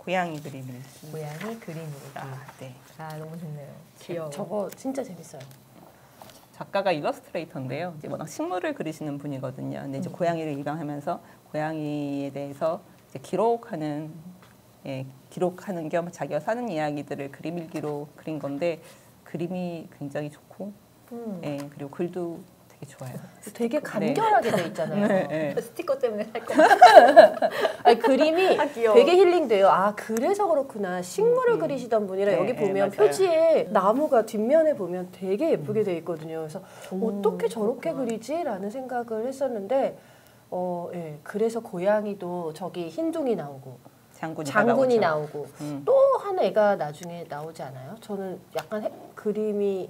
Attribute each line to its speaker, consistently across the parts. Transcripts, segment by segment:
Speaker 1: 고양이 그림을.
Speaker 2: 고양이 그림으로.
Speaker 1: 네.
Speaker 2: 아 너무 좋네요. 귀여워.
Speaker 3: 저거 진짜 재밌어요.
Speaker 1: 작가가 일러스트레이터인데요. 이제 워낙 식물을 그리시는 분이거든요. 근데 이제 고양이를 입양하면서 고양이에 대해서 이제 기록하는 겸 자기가 사는 이야기들을 그림 일기로 그린 건데 그림이 굉장히 좋고, 그리고 글도 되게 좋아요.
Speaker 3: 되게 간결하게 돼 있잖아요.
Speaker 1: 네.
Speaker 2: 스티커 때문에 살 거.
Speaker 3: 아니, 그림이
Speaker 2: 귀여워.
Speaker 3: 되게 힐링돼요. 아 그래서 그렇구나. 식물을 그리시던 분이라
Speaker 1: 네,
Speaker 3: 여기
Speaker 1: 네,
Speaker 3: 보면
Speaker 1: 맞아요.
Speaker 3: 표지에 나무가 뒷면에 보면 되게 예쁘게 돼 있거든요. 그래서 어떻게 저렇게
Speaker 2: 그렇구나.
Speaker 3: 그리지라는 생각을 했었는데 예. 그래서 고양이도 저기 흰둥이 나오고 장군이 나오고 또 한 애가 나중에 나오지 않아요? 저는 약간 그림이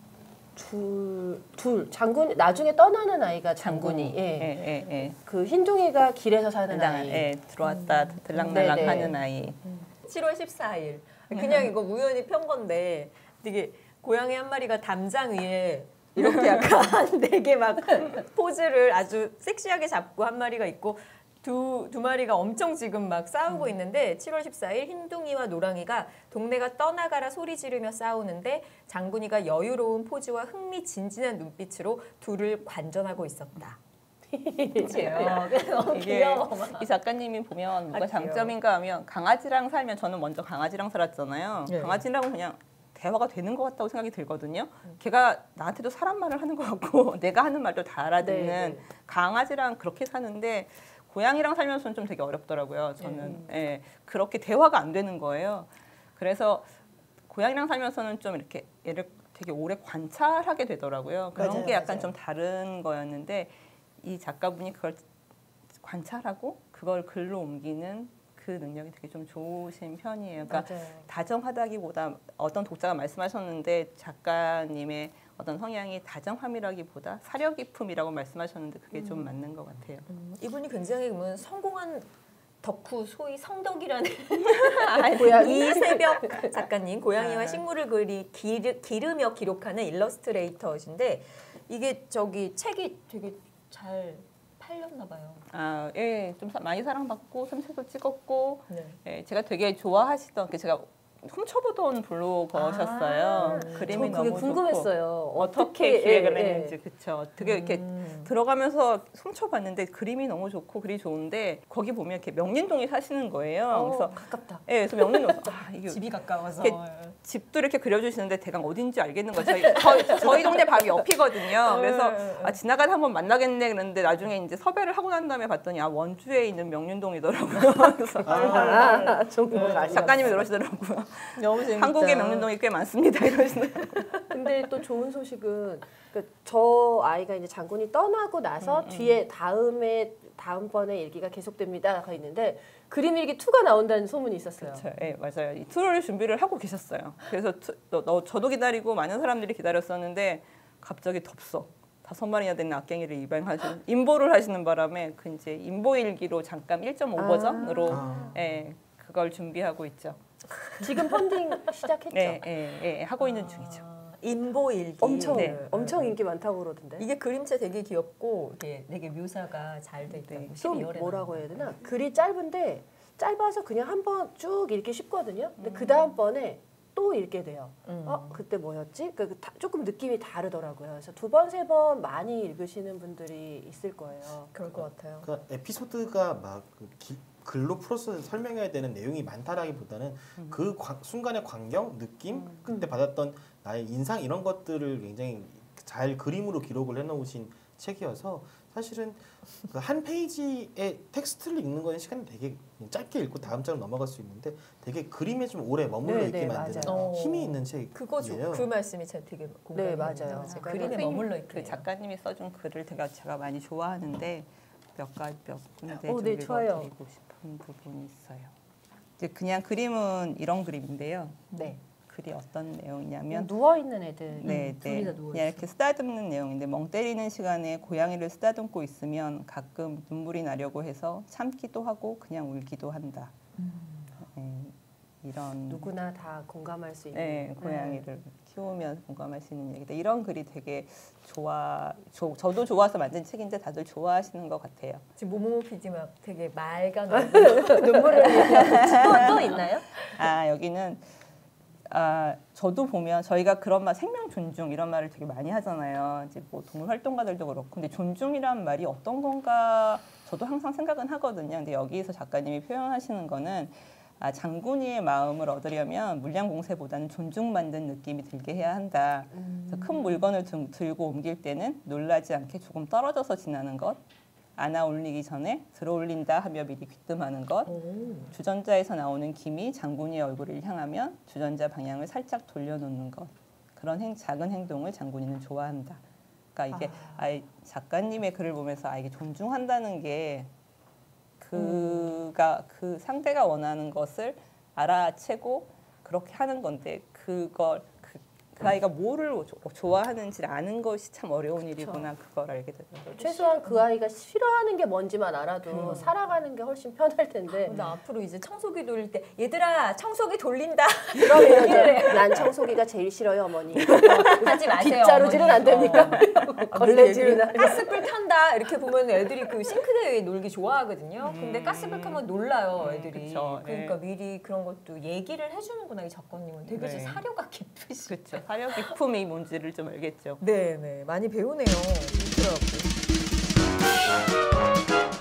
Speaker 3: 둘 장군 나중에 떠나는 아이가 장군이 그 흰둥이가 길에서 사는 아이
Speaker 1: 들어왔다 들락날락 하는 아이
Speaker 2: 7월 14일. 그냥 이거 우연히 편 건데 되게 고양이 한 마리가 담장 위에 이렇게 약간 되게 막 포즈를 아주 섹시하게 잡고 한 마리가 있고 두 마리가 엄청 지금 막 싸우고 있는데 7월 14일 흰둥이와 노랑이가 동네가 떠나가라 소리 지르며 싸우는데 장군이가 여유로운 포즈와 흥미진진한 눈빛으로 둘을 관전하고 있었다. 그치요? 너무 귀여워.
Speaker 1: 이 작가님이 보면 뭐가 장점인가 하면 강아지랑 살면 저는 먼저 강아지랑 살았잖아요.
Speaker 2: 네.
Speaker 1: 강아지랑은 그냥 대화가 되는 것 같다고 생각이 들거든요. 걔가 나한테도 사람 말을 하는 것 같고 내가 하는 말도 다 알아듣는 강아지랑 그렇게 사는데 고양이랑 살면서는 좀 되게 어렵더라고요. 저는 그렇게 대화가 안 되는 거예요. 그래서 고양이랑 살면서는 좀 이렇게 얘를 되게 오래 관찰하게 되더라고요. 그런 게 약간 좀 다른 거였는데 이 작가분이 그걸 관찰하고 그걸 글로 옮기는 그 능력이 되게 좀 좋으신 편이에요. 그러니까 다정하다기보다 어떤 독자가 말씀하셨는데 작가님의 어떤 성향이 다정함이라기보다 사려 깊음이라고 말씀하셨는데 그게 좀 맞는 것 같아요.
Speaker 2: 이분이 굉장히 그러면 성공한 덕후 소위 성덕이라는 이세벽 작가님 고양이와 식물을 기르며 기록하는 일러스트레이터신데 이게 저기 책이 되게 잘 팔렸나 봐요.
Speaker 1: 좀 많이 사랑받고 삼색도 찍었고 제가 되게 좋아하시던 제가 훔쳐보던 블로거셨어요. 그림이
Speaker 3: 그게
Speaker 1: 너무
Speaker 3: 궁금했어요.
Speaker 1: 좋고 어떻게 기획을 했는지 그쵸. 되게 이렇게 들어가면서 훔쳐봤는데 그림이 너무 좋고 글이 좋은데 거기 보면 이렇게 명륜동에 사시는 거예요. 그래서
Speaker 3: 가깝다.
Speaker 1: 그래서 명륜동 이게
Speaker 2: 집이 가까워서
Speaker 1: 집도 이렇게 그려주시는데 대강 어딘지 알겠는 거예요. 저희 동네 바로 옆이거든요. 그래서 지나가다 한번 만나겠네 그랬는데 나중에 이제 섭외를 하고 난 다음에 봤더니 원주에 있는 명륜동이더라고요. 그래서 작가님이 그러시더라고요.
Speaker 2: 너무 재밌다.
Speaker 1: 한국에 명륜동이 꽤 많습니다. 이러시는.
Speaker 3: 근데 또 좋은 소식은 저 아이가 이제 장군이 떠나고 나서 뒤에 다음번에 일기가 계속됩니다가 있는데 그림 일기 2가 나온다는 소문이 있었어요.
Speaker 1: 그렇죠. 네, 맞아요. 이 2를 준비를 하고 계셨어요. 그래서 저도 기다리고 많은 사람들이 기다렸었는데 갑자기 덥석 5마리나 되는 악갱이를 인보를 하시는 바람에 그 이제 인보 일기로 잠깐 1.5 버전으로 그걸 준비하고 있죠.
Speaker 3: 지금 펀딩 시작했죠?
Speaker 1: 하고 있는 중이죠.
Speaker 2: 인보일기.
Speaker 3: 엄청 인기 많다고 그러던데.
Speaker 2: 이게 그림체 되게 귀엽고 이게 되게 묘사가 잘 돼 있다고.
Speaker 3: 좀 뭐라고 해야 되나? 글이 짧은데 짧아서 그냥 한번 쭉 읽기 쉽거든요. 근데 그 다음번에 또 읽게 돼요. 그때 뭐였지? 조금 느낌이 다르더라고요. 그래서 2번, 3번 많이 읽으시는 분들이 있을 거예요.
Speaker 2: 그럴 것 같아요.
Speaker 4: 그러니까 에피소드가 막 글로 풀어서 설명해야 되는 내용이 많다라기보다는 그 순간의 광경, 느낌, 그때 받았던 나의 인상 이런 것들을 굉장히 잘 그림으로 기록을 해놓으신 책이어서 사실은 그 한 페이지의 텍스트를 읽는 거는 시간이 되게 짧게 읽고 다음 장으로 넘어갈 수 있는데 되게 그림에 좀 오래 머물러 있게 만드는 힘이 있는 책이에요.
Speaker 2: 그 말씀이 제가 되게 공감이
Speaker 3: 맞아요.
Speaker 2: 그림에 머물러 있게.
Speaker 1: 그 작가님이 써준 글을 제가 많이 좋아하는데 몇 군데 좀 읽어드리고 싶은 부분이 있어요. 이제 그냥 그림은 이런 그림인데요. 글이 어떤 내용이냐면
Speaker 3: 누워 있는 애들.
Speaker 1: 둘이 다 누워 그냥 이렇게 쓰다듬는 내용인데 멍 때리는 시간에 고양이를 쓰다듬고 있으면 가끔 눈물이 나려고 해서 참기도 하고 그냥 울기도 한다. 이런
Speaker 3: 누구나 다 공감할 수 있는
Speaker 1: 고양이를 키우면 공감할 수 있는 얘기다. 이런 글이 되게 저도 좋아서 만든 책인데 다들 좋아하시는 것 같아요.
Speaker 2: 지금 모모모 PD 막 되게 맑은 눈물을 흘리는 또 있나요?
Speaker 1: 여기는 저도 보면 저희가 그런 말 생명 존중 이런 말을 되게 많이 하잖아요. 이제 뭐 동물 활동가들도 그렇고 근데 존중이란 말이 어떤 건가 저도 항상 생각은 하거든요. 근데 여기서 작가님이 표현하시는 거는 장군이의 마음을 얻으려면 물량 공세보다는 존중받는 느낌이 들게 해야 한다. 그래서 큰 물건을 들고 옮길 때는 놀라지 않게 조금 떨어져서 지나는 것. 안아 올리기 전에 들어올린다 하며 미리 귀뜸하는 것. 주전자에서 나오는 김이 장군이의 얼굴을 향하면 주전자 방향을 살짝 돌려놓는 것. 그런 작은 행동을 장군이는 좋아한다. 그러니까 이게 작가님의 글을 보면서 이게 존중한다는 게 그가 그 상대가 원하는 것을 알아채고 그렇게 하는 건데 그걸 그 아이가 뭐를 좋아하는지를 아는 것이 참 어려운 일이구나. 그걸 알게 되더라고요.
Speaker 3: 최소한 그 아이가 싫어하는 게 뭔지만 알아도 살아가는 게 훨씬 편할 텐데.
Speaker 2: 나 앞으로 이제 청소기 돌릴 때 얘들아 청소기 돌린다.
Speaker 3: 그러면 이제 난 청소기가 제일 싫어요 어머니.
Speaker 2: 하지 마세요.
Speaker 3: 빗자루질은 안 됩니까? 걸레질이나.
Speaker 2: 가스불 켠다 이렇게 보면 애들이 그 싱크대에 놀기 좋아하거든요. 근데 가스불 켜면 놀라요 애들이.
Speaker 1: 그쵸.
Speaker 2: 그러니까 미리 그런 것도 얘기를 해주는구나 이 작가님은. 되게
Speaker 1: 네.
Speaker 2: 사려가 깊으시.
Speaker 1: 그렇죠. 사려 깊음이 뭔지를 좀 알겠죠.
Speaker 2: 네, 많이 배우네요. 그렇더라고요.